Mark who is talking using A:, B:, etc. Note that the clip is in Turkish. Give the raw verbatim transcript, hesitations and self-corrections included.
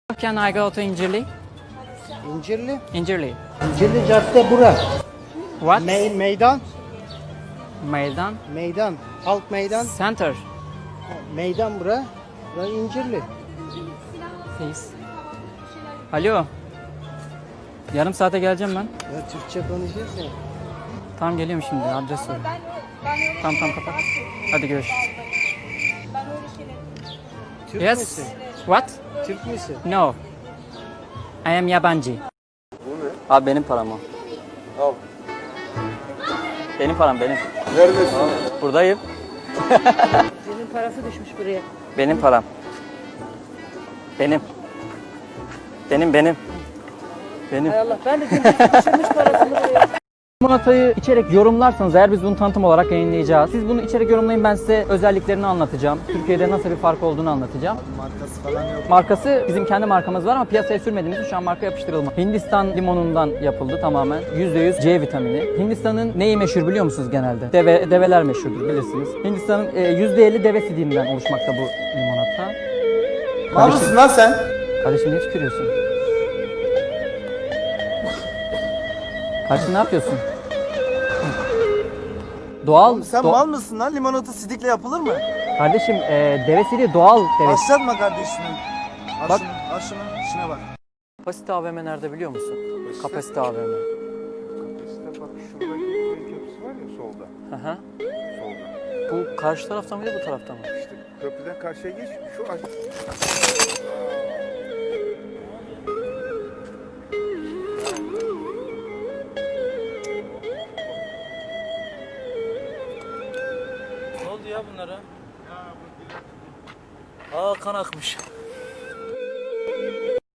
A: Can I go to İncirli?
B: İncirli.
A: İncirli.
B: İncirli cadde bura.
A: What?
B: Me meydan.
A: Meydan.
B: Meydan. Halk meydan.
A: Center.
B: Meydan bura. Bura İncirli.
A: Please. Alo. Yarım saate geleceğim ben.
B: Ya Türkçe konuşuyoruz ya.
A: Tamam geliyorum şimdi. Adres ver. Tamam tamam kapat. Hadi görüşürüz.
B: Türk
A: Yes.
B: müsün?
A: What?
B: Türk müsün?
A: No. I am yabancı.
C: Bu ne?
A: Abi benim param o.
C: Al.
A: Benim param benim.
C: Neredesin?
A: Buradayım.
D: Senin parası düşmüş buraya.
A: Benim param. Benim. Benim benim. Benim.
D: Hay Allah, ben de gündüz düşürmüş parasını buraya.
A: Limonatayı içerek yorumlarsanız eğer biz bunu tanıtım olarak yayınlayacağız. Siz bunu içerek yorumlayın, ben size özelliklerini anlatacağım. Türkiye'de nasıl bir fark olduğunu anlatacağım.
B: Markası falan yok.
A: Markası bizim kendi markamız var ama piyasaya sürmediğimiz için şu an marka yapıştırılma. Hindistan limonundan yapıldı tamamen. yüzde yüz C vitamini. Hindistan'ın neyi meşhur biliyor musunuz genelde? Deve, develer meşhurdur bilirsiniz. Hindistan'ın e, yüzde elli deve sidiğinden oluşmakta bu limonata.
C: Mal mısın lan sen?
A: Kardeşim niye tükürüyorsun? Kardeşim ne yapıyorsun? Doğal.
C: Sen
A: do-
C: mal mısın lan? Limonata sidikle yapılır mı?
A: Kardeşim e, deve sidiği doğal deve.
C: Başlatma kardeşim. Al
A: Bak.
C: şunu, al şunu, şuna bak.
A: Kapasite A V M nerede biliyor musun? Kapasite A V M.
C: İşte bak şuradaki köy köprüsü var ya solda.
A: Hı hı.
C: Solda.
A: Bu karşı tarafta mıydı bu tarafta mı?
C: İşte köprüden karşıya geç. Şu aç.
A: Ne oldu ya bunlara? Aa kan akmış.